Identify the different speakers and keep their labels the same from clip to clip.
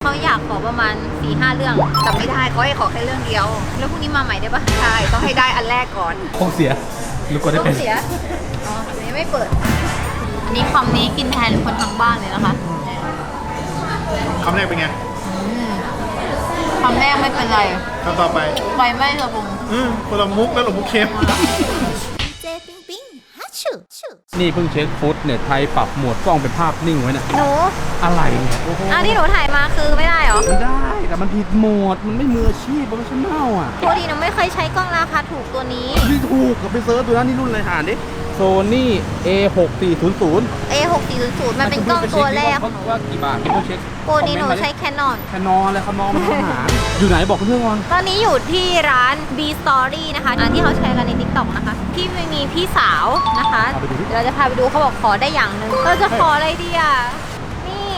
Speaker 1: เขาอยากขอประมาณ 4-5 เรื่องแต่ไม่ได้เขาให้ขอแค่เรื่องเดียวแล้วพรุ่งนี้มาใหม่ได้ปะใช่ต้องให้ได้อันแรกก่อน
Speaker 2: คงเสียหรือกดได้
Speaker 1: ต้อ
Speaker 2: เป็น
Speaker 1: งเสียอ๋ออันนี้ไม่เปิดอันนี้คำนี้กินแทนคนทั้งบ้านเลยนะคะ
Speaker 3: คำแรกเป็นไง
Speaker 1: คำแรกไม่เป็นไร
Speaker 3: คำต่อไป
Speaker 1: ไฟไหม้กระบุง
Speaker 3: คนละมุกแล้วหลงมุกเค็ม
Speaker 1: เจปิงปิงฮัชชูชู
Speaker 2: นี่เพิ่งเช็คฟุตเน็ตไทยปรับโหมดกล้องเป็นภาพนิ่งไว้เนี่ย
Speaker 1: หนู
Speaker 2: อะไรเนี่ยโอ้โห
Speaker 1: ที่หนูถ่ายมาคือไม่ได้เหรอ
Speaker 2: มันได้แต่มันผิดโหมดมันไม่มืออาชีพโปรเฟชชั่นแนลอ่ะ
Speaker 1: ปกติหนูไม่เคยใช้กล้องราคาถูกตัวนี้
Speaker 2: ที่ถูกกับไปเซิร์ชดูนะนี่รุ่นอะไรหาดิ Sony A6400
Speaker 1: A6400 มันเป็นกล้องตัวแรกของหนู
Speaker 2: ว่ากี่บาทพี่ต้องเช็ค
Speaker 1: โปรนี้หนูใช้ Canon
Speaker 2: แคนนอนอะไรคานอนมันต้องหาอยู่ไหนบอกเพื่อนก่อน
Speaker 1: ตอนนี้อยู่ที่ร้าน B Story นะคะที่เขาแชร์กันใน TikTok นะคะที่มีพี่สาวนะคะเดี๋ยวเราจะพาไปดูเขาบอกขอได้อย่างหนึ่งเราจะขออะไรดีอ่ะนี่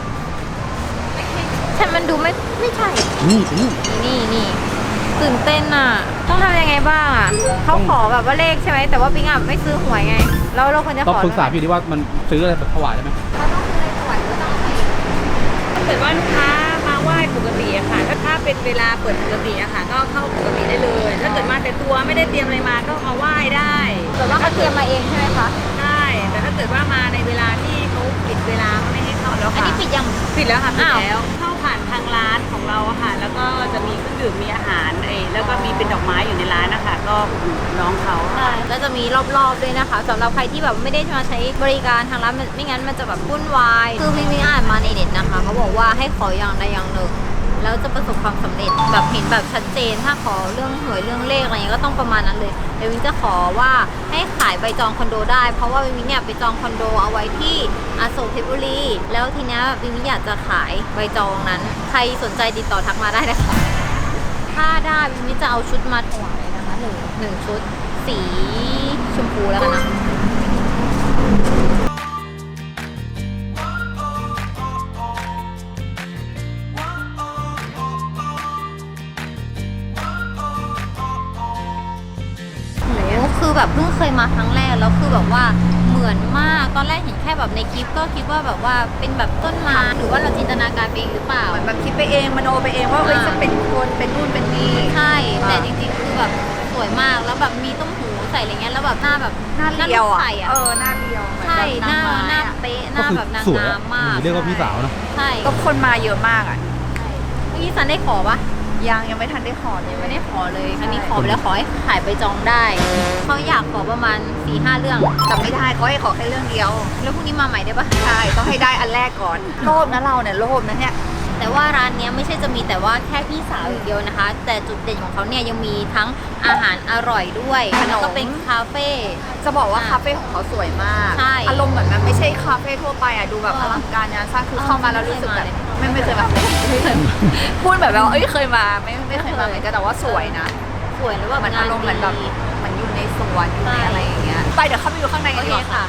Speaker 1: ใช่มันดูไม่ใช่
Speaker 2: นี่
Speaker 1: นี่ตื่นเต้นอ่ะต้องทำยังไงบ้างอ่ะเขาขอแบบว่าเลขใช่ไหมแต่ว่าปิ๊งอ่ะไม่ซื้อหวยไงแล้วเราควรจะ
Speaker 2: ต้อ
Speaker 1: ข
Speaker 2: ง
Speaker 1: อ
Speaker 2: ปรึกษาพี่ดิว่ามันซื้ออะไรแบบถวายได้ไหม
Speaker 1: เราต้องซื้ออะไรถวายหรือต้องให้
Speaker 4: ถ้าเกิดว่าลูกค้ามาไหว้ปกติอะค่ะ ถ้าเป็นเวลาเปิดปกติอะค่ะ ก็เข้าปกติได้เลย ถ้าเกิดมาแต่ตัวไม่ได้เตรียมอะไรมาก็มาไหว้ได้
Speaker 1: แต่ว่าเขาเตรียมมาเองใช่ไหมคะ
Speaker 4: ได้ แต่ถ้าเกิดว่ามาในเวลาที่เขาปิดเวลาเขาไม่ให้เข้าแล้ว
Speaker 1: อัน
Speaker 4: ค่ะ
Speaker 1: นี้ปิดยัง
Speaker 4: ปิดแล้วค่ะปิด
Speaker 1: อ้าว
Speaker 4: แล้ว เข้าผ่านทางร้านของเราอะค่ะ แล้วก็จะมีเครื่องดื่มมีอาหารแล้วก็มีเป็นดอกไม้อยู่ในร้านนะคะก็อุดหนุนน้องเขา
Speaker 1: ใช่แล้วจะมีรอบๆด้วยนะคะสำหรับใครที่แบบไม่ได้มาใช้บริการทางร้านไม่งั้นมันจะแบบวุ่นวายคือพี่อ่านมาในเน็ตนะคะเขาบอกว่าให้ขออย่างใดอย่างหนึ่งแล้วจะประสบความสำเร็จแบบเห็นแบบชัดเจนถ้าขอเรื่องหวยเรื่องเลขอะไรเงี้ยก็ต้องประมาณนั้นเลยเดี๋ยววินจะขอว่าให้ขายใบจองคอนโดได้เพราะว่าวินเนี่ยไปจองคอนโดเอาไว้ที่อโศกเพชรบุรีแล้วทีเนี้ยวินอยากจะขายใบจองนั้นใครสนใจติดต่อทักมาได้นะคะถ้าได้วินจะเอาชุดมาถวายนะคะหนึ่งชุดสีชมพูแล้วกันนะคือแบบเพิ่งเคยมาครั้งแรกแล้วคือแบบว่าเหมือนมากตอนแรกเห็นแค่แบบในคลิปก็คิดว่าแบบว่าเป็นแบบต้นไม้หรือว่าเราจินตนาการไปเองหรือเปล่า
Speaker 4: เหมือนแบบคิดไปเองมโนไปเองว่าจะเป็นคนเป็นนู่นเป็นนี่
Speaker 1: ใช่แต่จริงๆคือแบบสวยมากแล้วแบบมีต้มหูใส่อะไรเงี้ยแล้วแบบหน้าแบบ
Speaker 4: หน้าเรียวอ่ะ
Speaker 1: ใส่อะ
Speaker 4: หน้าเรียวเหมือน
Speaker 1: ใช่
Speaker 4: แบบ
Speaker 1: หน้า
Speaker 4: ไม้
Speaker 1: หน้า
Speaker 4: อะ
Speaker 1: เป๊ะหน้าแบบนาง
Speaker 2: สวย
Speaker 1: งามมาก
Speaker 2: เรียกว่าพี่สาวนะ
Speaker 1: ใช่
Speaker 4: ก็คนมาเยอะมากอ่ะ
Speaker 1: เมื่อกี้ซันได้ขอปะ
Speaker 4: ยังไม่ทันได้ขอเลย
Speaker 1: ยังไม่ได้ขอเลยอันนี้ขอไปแล้วขอให้ขายไปจองได้เขาอยากขอประมาณ 4-5 เรื่องแต่ไม่ได้เขาให้ขอแค่เรื่องเดียวแล้วพรุ่งนี้มาใหม่ได้ปะ
Speaker 4: ใช่ต้องให้ได้อันแรกก่อนโลภนะเราเนี่ยโลภนะเนี่ย
Speaker 1: แต่ว่าร้านเนี้ยไม่ใช่จะมีแต่ว่าแค่พี่สาวอย่างเดียวนะคะ แต่จุดเด่นของเขาเนี่ยยังมีทั้งอาหารอร่อยด้วยแล้วก็เป็นคาเฟ่
Speaker 4: จะบอกว่าคาเฟ่ของเขาสวยมาก
Speaker 1: ใช่
Speaker 4: อารมณ์เหมือนมันไม่ใช่คาเฟ่ทั่วไปอ่ะดูแบบอลังการงานสร้างคือเข้ามาแล้วรู้สึกแบบไม่เคยมาพูดแบบว่าเคยมาไม่เคยมาเหมือนกันแต่ว่าสวยนะ
Speaker 1: สวยแล้วแบบ
Speaker 4: มันอารมณ์เหมือนแบบเหมือนอยู่ในสวนอยู่ในอะไรอย่างเงี้ยไปเดี๋ยวเข้าไปดูข้างใน
Speaker 1: โอ
Speaker 4: กัน
Speaker 1: เค
Speaker 4: ดีกว่า
Speaker 1: ค่ะ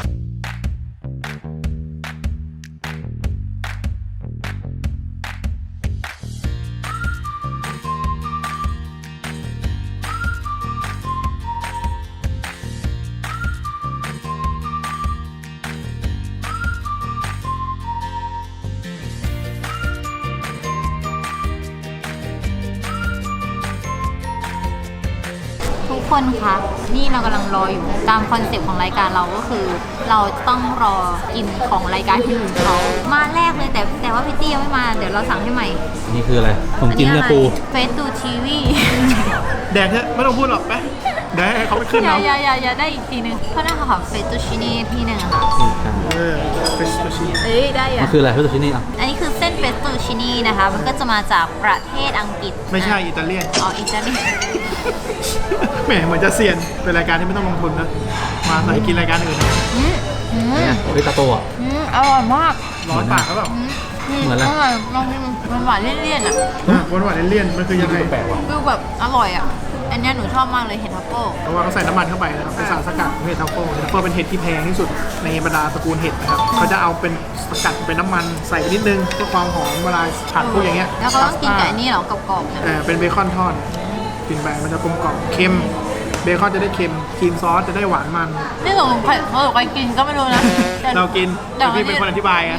Speaker 1: ทุกคนคะนี่เรากำลังรออยู่ตามคอนเซ็ปต์ของรายการเราก็คือ เราต้องรอกินของรายการที่อื่นเขามาแรกเลยแต่ว่าพี่ตี้ยังไม่มาเดี๋ยวเราสั่งให้ใหม่
Speaker 2: นี่คืออะไรของกินเนี่ยปู
Speaker 1: เฟสตูทีวี
Speaker 3: แดกเถอะไม่ต้องพูดหรอกไปแดกให้เขาไปขึ้น
Speaker 1: อย่า
Speaker 3: เอา
Speaker 1: อย่าได้อีกทีนึงเพราะน่าขอเฟสตูชินีพี่หนึ่งอะค่ะ
Speaker 3: เฟสตูชิ
Speaker 1: เอ้ยได้
Speaker 2: มั
Speaker 1: อะ
Speaker 2: นคืออะไรเพื่อนชิ้นนี้อ่ะ
Speaker 1: อันนี้คือเส้นเฟสตูชินีนะคะมันก็จะมาจากประเทศอังกฤษ
Speaker 3: ไม่ใช่อิตาเลียน
Speaker 1: อ๋ออิตาลี
Speaker 3: แหมเหมือนจะเซียนเป็นรายการที่ไม่ต้องลงทุนนะมาใส่กินรายการอื่นนะ
Speaker 2: เนี่ยเฮ้ยตาโตอ่ะ
Speaker 1: อร่อยมาก
Speaker 3: ร้อนปากหรือเปล่า
Speaker 2: เหมือนอะไร
Speaker 1: อร่อยลองกินมันหวานเลี่ยนๆอ่ะ
Speaker 3: หวานๆเลี่ยนๆมันคือยังไง
Speaker 2: แปลกว่ะ
Speaker 1: ฟิลแบบอร่อยอ่ะ อันเนี้ยหนูชอบมากเลยเห็ดทัฟเฟิล
Speaker 3: เพราะว่าเขาใส่น้ำมันเข้าไปนะครับเป็นสารสกัดของเห็ดทัฟเฟิลเห็ดทัฟเฟิลเป็นเห็ดที่แพงที่สุดในบรรดาตระกูลเห็ดนะครับเขาจะเอาเป็นสกัดเป็นน้ำมันใส่ไปนิดนึงเพื่อความหอมเวลาผัดพวกอย่างเงี้ย
Speaker 1: แล้วก็ต้องกินกับอันนี้เหรอกรอบๆเนี่ย
Speaker 3: เป็นเบคอนทอดกินไปมันจะกลมกล่อมเค็มเบคอนจะได้เค็มครีมซอสจะได้หวานมัน
Speaker 1: นี่ของใครกินก็ไม่รู้นะ
Speaker 3: เรากิน
Speaker 1: แต่
Speaker 3: พี่เป็นคนอธิบายไง
Speaker 1: แ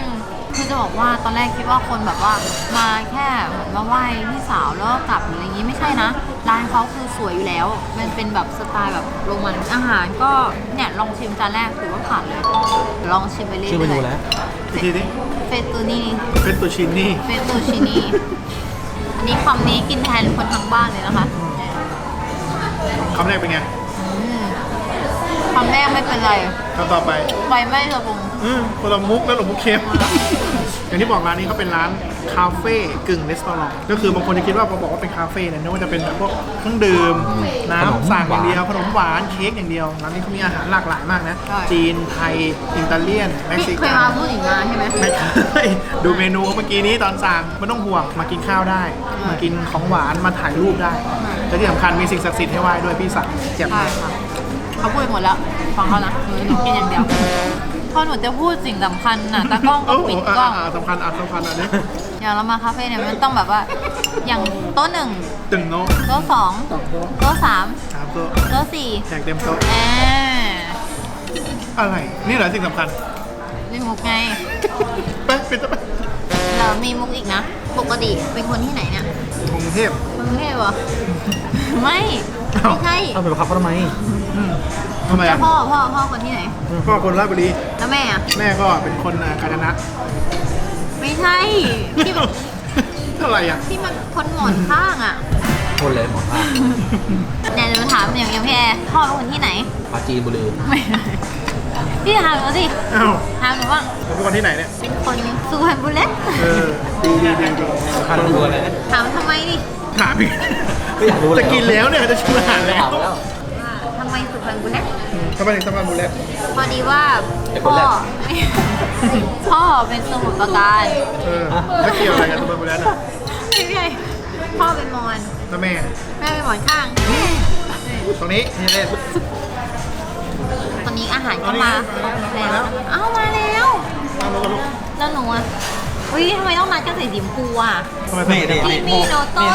Speaker 1: คือจะบอกว่าตอนแรกคิดว่าคนแบบว่ามาแค่เหมือนมาไหว้พี่สาวแล้วก็กลับหรืออะไรอย่างงี้ไม่ใช่นะ ร้านเขาคือสวยอยู่แล้ว มันเป็นแบบสไตล์แบบโรมันอาหารก็เนี่ยลองชิมจานแรกถือว่าผ่านเลย ลองชิมไปเรื่อยๆ
Speaker 2: ชื่อเมนูแล้ว
Speaker 3: อีกทีนี้
Speaker 1: เฟตตูนี่
Speaker 3: เป็นตัวชินนี่
Speaker 1: เฟตตูชินีอันนี้คำนี้กินแทนคนทั้งบ้านเลยนะคะ
Speaker 3: คำแรกเป็นไง
Speaker 1: คำแรกไม่เป็นไร
Speaker 3: คำต่อไป
Speaker 1: ไฟไม่ระบง
Speaker 3: คนละมุกแล้วหลงมุกเค็ม อย่างที่บอกร้านนี้เขาเป็นร้านคาเฟ่กึ่งรีสอร์ทก็คือบางคนจะคิดว่าพอบอกว่าเป็นคาเฟ่เนี่ยนึกว่าจะเป็นแบบพวกเครื่องดื่มน้ำสั่งอย่างเดียวขนมหวานเค้กอย่างเดียวร้านนี้เขามีอาหารหลากหลายมากนะ จีนไทยอิตาเลียนเม็กซิ
Speaker 1: เคย
Speaker 3: กัน
Speaker 1: มาพูดอีกมาใช่ไหม
Speaker 3: ไม่เคยดูเมนูเมื่อกี้นี้ตอนสั่งไม่ต้องห่วงมากินข้าวได้ มากินของหวานมาถ่ายรูปได้และที่สำคัญมีสิ่งศักดิ์สิทธิ์ให้ไหว้ด้วยพี่สั่งเจ็บ
Speaker 1: ใช่
Speaker 3: มาก
Speaker 1: ค่ะเขาพูดหมดแล้วฟังเขานะหนูกินอย่างเดียวพอหนูจะพูดสิ่งสำคัญน่ะตากล้องก็
Speaker 3: โอ้โห
Speaker 1: ปิดกล้อง
Speaker 3: สำคัญอันนี้
Speaker 1: อย่างเรามาคาเฟ่เนี่ยมันต้องแบบว่าอย่างโต๊ะหนึ่ง
Speaker 3: ตึงโน้
Speaker 1: โต๊ะสอง
Speaker 3: สองโต๊ะ
Speaker 1: โต๊ะสาม
Speaker 3: สามโต๊ะ
Speaker 1: โต๊ะสี่
Speaker 3: แขกเต็มโต๊ะ
Speaker 1: อ่า
Speaker 3: อะไร นี่เหรอสิ่งสำคัญ
Speaker 1: มีมุกไง
Speaker 3: ไปเป็นจะไป
Speaker 1: เรามีมุกอีกนะ ปกติเป็นคนที่ไหนเนี่ย
Speaker 3: กรุงเทพ
Speaker 1: กรุงเทพเหรอ ไม่
Speaker 3: อ้าว
Speaker 1: ไม่ใช่
Speaker 2: เอาไปบังคับเขาทำไม
Speaker 3: ทำไมอ่ะ
Speaker 1: พ่อคนที่ไหน
Speaker 3: พ่อคนราชบุรี
Speaker 1: แล้วแม่อะ
Speaker 3: แม่ก็เป็นคนกาญจนะ
Speaker 1: ไม่ใช่ที่แบบ
Speaker 3: เท่าไหร่อ่ะ
Speaker 1: ที่มันคนหมอนข้างอ่ะ
Speaker 2: คนเลยหมอท่า
Speaker 1: เนี่ยจะมาถามอย่างพี่แอร์พ่อเป็นคนที่ไหน
Speaker 2: ปาจีนบุรี
Speaker 1: ไม่พี่ถามหนูสิ
Speaker 3: อ้าว
Speaker 1: ถามหนูบ้าง
Speaker 3: เป็นคนที่ไหนเนี่ย
Speaker 1: เป็นคนสุพรรณบุรี
Speaker 3: เออดี
Speaker 2: คันดูอะไรนะ
Speaker 1: ถามทำไมดิ
Speaker 3: ถามอีก
Speaker 2: ไม่อยากรู้เลย
Speaker 3: จะกินแล้วเนี่ยจะชิมอาหารแล้ว
Speaker 2: ถามแล้ว
Speaker 1: ว่าทำไมสุพรรณบุรี
Speaker 3: ทำไมถึงสำคัญบุญแล้ว
Speaker 1: พอดีว่า
Speaker 2: ไอ้ค
Speaker 1: พ่
Speaker 2: น
Speaker 1: อ
Speaker 2: แรก
Speaker 1: พ่อเป็นสมุทรปราการ
Speaker 3: แล้วเกี่ยวอะไรกันสำคัญบุญแล้วน่ะ
Speaker 1: ไม่ใช่พ่อเป็นมอญ
Speaker 3: แล้วแม่
Speaker 1: แม่เป็นหมอนข้าง
Speaker 3: ตรงนี้นี่เล่น
Speaker 1: ตอนนี้อาหารก็มาแล้วเอ้ามาแล้ว
Speaker 3: นั่งรถกับลูก
Speaker 1: แล้วหนูอ่ะเฮ้ยทำไมต้องนัดกันใส่สีชมพูอ่ะ
Speaker 3: ทำไมเป็นอย่าง
Speaker 1: กิ
Speaker 3: นี้
Speaker 1: มีโนโต้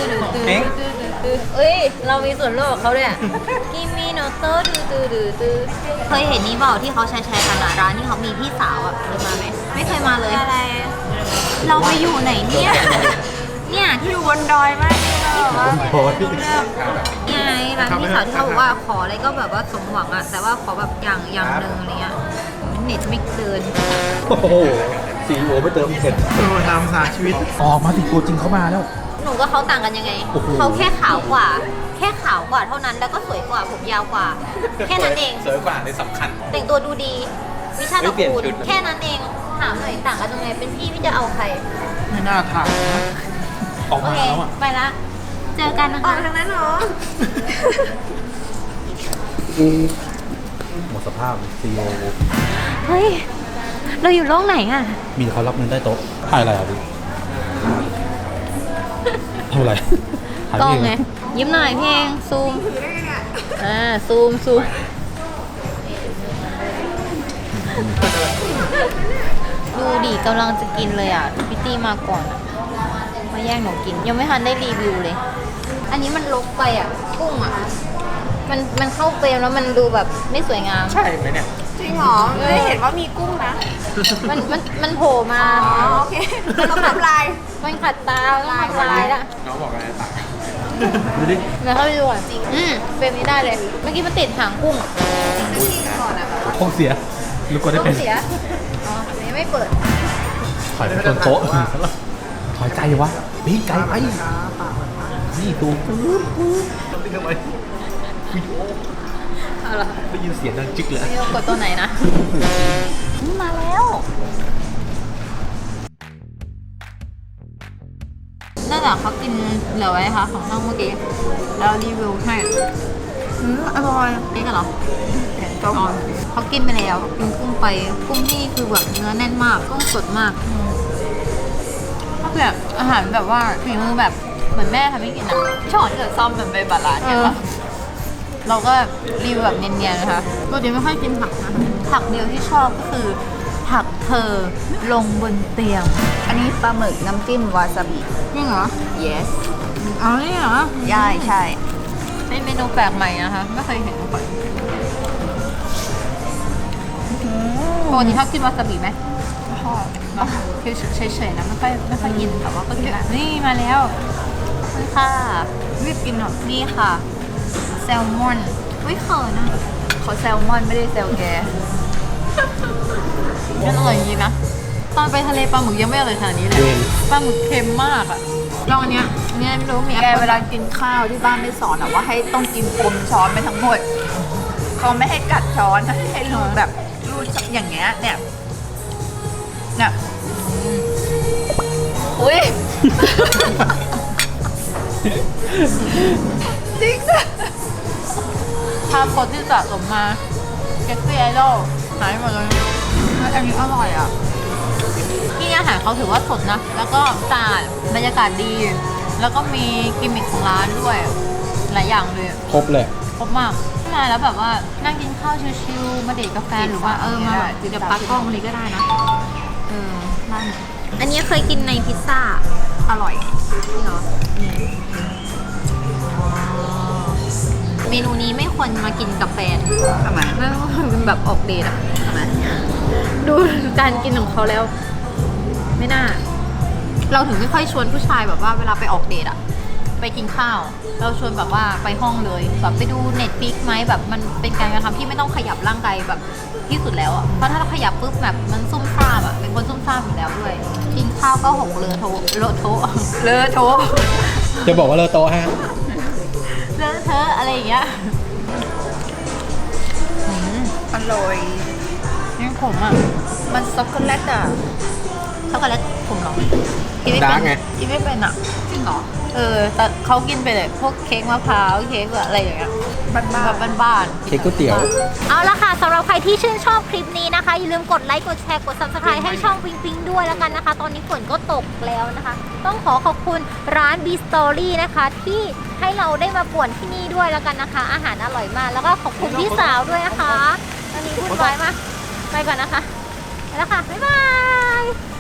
Speaker 1: เอ้ย เรามีส่วนร่วมกับเขาด้วยกิมีโนโต้เคยเห็นนี้เปล่าที่เขาแชร์กันอะร้านที่เขามีพี่สาวอะเคยมาไหมไม่เคยมาเลยอะไรเราไปอยู่ไหนเนี่ยเนี่ยที่อยู่บนดอยมากที่แบบว่า
Speaker 2: โอ้ย
Speaker 1: ไงร้านพี่สาวที่เขาบอกว่าขออะไรก็แบบว่าสมหวังอะแต่ว่าขอแบบอย่างหนึ่งอะไรเงี้ยเน็ตไม่เดิน
Speaker 2: โอ้โหสีโอไม่เติมเผ็ด
Speaker 3: ตามสาชีวิต
Speaker 2: ออกมาติตัวจริงเขามาแล้ว
Speaker 1: หนูกับเขาต่างกันยังไง
Speaker 2: โอ้โห
Speaker 1: เขาแค่ขาวกว่า แค่ขาวกว่าเท่านั้นแล้วก็สวยกว่าผมยาวกว่า แค่นั้นเอง
Speaker 2: สวยกว่าในสำคัญ
Speaker 1: แต่งตัวดูดีวิชา
Speaker 2: ไม่
Speaker 1: ตะ
Speaker 2: เปลี่ยน
Speaker 1: กูล
Speaker 2: ชุด
Speaker 1: แค่นั้นเองถามหน่อยต่างกันตรงไหนเป็นพี่จะเอาใคร
Speaker 3: ไม่น่าถามนะ
Speaker 2: ออก
Speaker 1: โอ
Speaker 2: มา
Speaker 1: เค
Speaker 2: แล้วอ่ะ
Speaker 1: ไปละเจอกันนะคะทางนั้นเหรอ
Speaker 2: หมดสภาพซีโอ
Speaker 1: เฮ้ยเราอยู่โลกไหนอ่ะ
Speaker 2: มีเขารับเงินใต้โต๊ะถ่ายอะไรอ่ะพี่ทำอะไรถ่าย
Speaker 1: กล้อง
Speaker 2: พี่
Speaker 1: ไงยิ้มหน่อยเพลงซูมซูมดูดิกำลังจะกินเลยอ่ะพี่ตี้มาก่อนอะมาแย่งหนูกิน ยังไม่ทันได้รีวิวเลย อันนี้มันลกไปอ่ะ กุ้งอ่ะ มันเข้าเฟรมแล้วมันดูแบบไม่สวยงาม
Speaker 3: ใช่ไหมเนี่ย
Speaker 4: จริงเหรอไม่เห็นว่ามีกุ้งนะ
Speaker 1: มันโผล่มา
Speaker 4: อ๋อโอเคต้องทำลาย
Speaker 1: มันขัดตาต้องทำลายละ
Speaker 3: น้องบอกอะไรต่าง
Speaker 2: ดูดิ
Speaker 1: เดี๋ยวเข้าไปดูก่อนเฟรมนี้ได้เลย เมื่อกี้มันติดหางกุ้ง
Speaker 2: ท้องเสียลูกก็ได้
Speaker 1: ต้อ
Speaker 2: เป็น
Speaker 1: งเสีย อ๋ออันนี้ไม่เปิด
Speaker 2: ถอยไปจนโต๊ะถอยใจวะพี่ไกลไปนี่ดูปุ๊บทำไมวิดีโอ
Speaker 1: เอาล่ะ
Speaker 2: ได้ยินเสียงดังจิ๊กเลย
Speaker 1: นี่เรากดตัวไหนนะมาแล้วนั่นแหละเขากินเหลือไว้ค่ะของช่องเมื่อกี้แล้วรีวิวให้อร่อยนี่กันเหรอเขากินไปแล้วกินกุ้งไปกุ้งที่คือแบบเนื้อแน่นมากกุ้งสดมากก็แบบอาหารแบบว่าฝีมือแบบเหมือนแม่ทำให้กินอ่ะ
Speaker 4: ช้อนกับซ่อมมันไปบาลานซ์กันปะ
Speaker 1: เราก็รีวิวแบบเนียนๆนะคะปกติไม่ค่อยกินผักนะคะผักเดียวที่ชอบก็คือผักเธอลงบนเตียง
Speaker 4: อันนี้ปลาหมึกน้ำจิ้มวาซาบิ
Speaker 1: จริงเหรอ
Speaker 4: yes
Speaker 1: อ๋อนี่เหรอ
Speaker 4: ใช่ใช่
Speaker 1: เป็นเมนูแปลกใหม่นะคะ ไม่เคยเห็นมาก่อนปกติชอบกินวาซาบิไหม
Speaker 4: ชอบแบบเฉยๆนะไม่ค่อยกินแต่ว่าก็กินละนี่มาแล้ว
Speaker 1: นี่ค่ะ
Speaker 4: รีบกินหน่อย
Speaker 1: นี่ค่ะ แซลมอนอุ้ยเขินอ่ะ
Speaker 4: เขาแซลมอนไม่ได้แซลแก
Speaker 1: มันอร่อยจริงๆนะ ตอนไปทะเลปลาหมึกยังไม่อร่อยขนาดนี้เลย
Speaker 2: เวน
Speaker 1: ปลาหมึกเค็มมากอะลองอันเนี้ยไม่รู้มี
Speaker 4: แกเวลากินข้าวที่บ้านไม่สอนอะว่าให้ต้องกินกลมช้อนไปทั้งหมดเขาไม่ให้กัดช้อนให้รูดแบบรูดอย่างเงี้ยเนี่ยอุ้ย จริงอะ
Speaker 1: ภาพคนที่สะสมมาเก็ตซี่ไอดอลหายหมดเลย
Speaker 4: อันนี้อร่อยอ่ะ
Speaker 1: ที่อาหารเขาถือว่าสดนะ แล้วก็สะอาดบรรยากาศดี แล้วก็มีกิมมิคของร้านด้วย หลายอย่างเลย
Speaker 2: ครบเลย
Speaker 1: ครบมากมาแล้วแบบว่านั่งกินข้าวชิลๆมาเดทกับแฟนหรือว่ามาแบบเดี๋ยวปักกล้องนี้ก็ได้นะนั่นอันนี้เคยกินในพิซซ่า
Speaker 4: อร่อย
Speaker 1: จริงเหรอเมนูนี้ไม่ควรมากินกับแฟน
Speaker 4: ทำไม
Speaker 1: ไม่ควรเป็นแบบออกเดทอะ
Speaker 4: ทำไม
Speaker 1: ดูการกินของเขาแล้ว ไม่น่า เราถึงไม่ค่อยชวนผู้ชายแบบว่าเวลาไปออกเดทอะไปกินข้าว เราชวนแบบว่าไปห้องเลยแบบไปดูเน็ตฟิกไหมแบบมันเป็นการกระทำที่ไม่ต้องขยับร่างกายแบบที่สุดแล้วอะเพราะถ้าเราขยับปุ๊บแบบมันซุ่มซ่ามอะเป็นคนซุ่มซ่ามอยู่แล้วด้วย กินข้าวก็หกเลอะโถเลอะโถ
Speaker 4: เลอะโถ
Speaker 2: จะบอกว่าเลอโตะฮะ
Speaker 1: เลอะเทอะอะไรอย่างเงี้ย
Speaker 4: อร่อย
Speaker 1: ยังขมอ่ะ
Speaker 4: มันช็อกโกแลตอ่ะ
Speaker 1: ช็อกโกแลตขมเหรอกินไม่
Speaker 2: ดา
Speaker 1: เป็
Speaker 2: ร์กไง
Speaker 1: นกินไม่เป็นอ่ะ
Speaker 4: จริงเหรอ
Speaker 1: แต่เขากินไปเลยพวกเค้กมะพร้าวเค้กอะไรอย่างเงี้ย
Speaker 4: บ้าน
Speaker 1: แบบบ้านๆ
Speaker 2: เค้กก๋วยเตี๋ยว
Speaker 1: เอาละค่ะสำหรับใครที่ชื่นชอบคลิปนี้นะคะ อย่าลืมกดไลค์กดแชร์กด subscribe ให้ช่องปิงปิงด้วยแล้วกันนะคะ ตอนนี้ฝนก็ตกแล้วนะคะ ต้องขอขอบคุณร้าน B Story นะคะ ที่ให้เราได้มาป่วนที่นี่ด้วยแล้วกันนะคะ อาหารอร่อยมาก แล้วก็ขอบคุณพี่สาวด้วยนะคะตอนนี้พูดไว้มาไปก่อนนะคะไปแล้วค่ะ บ๊ายบาย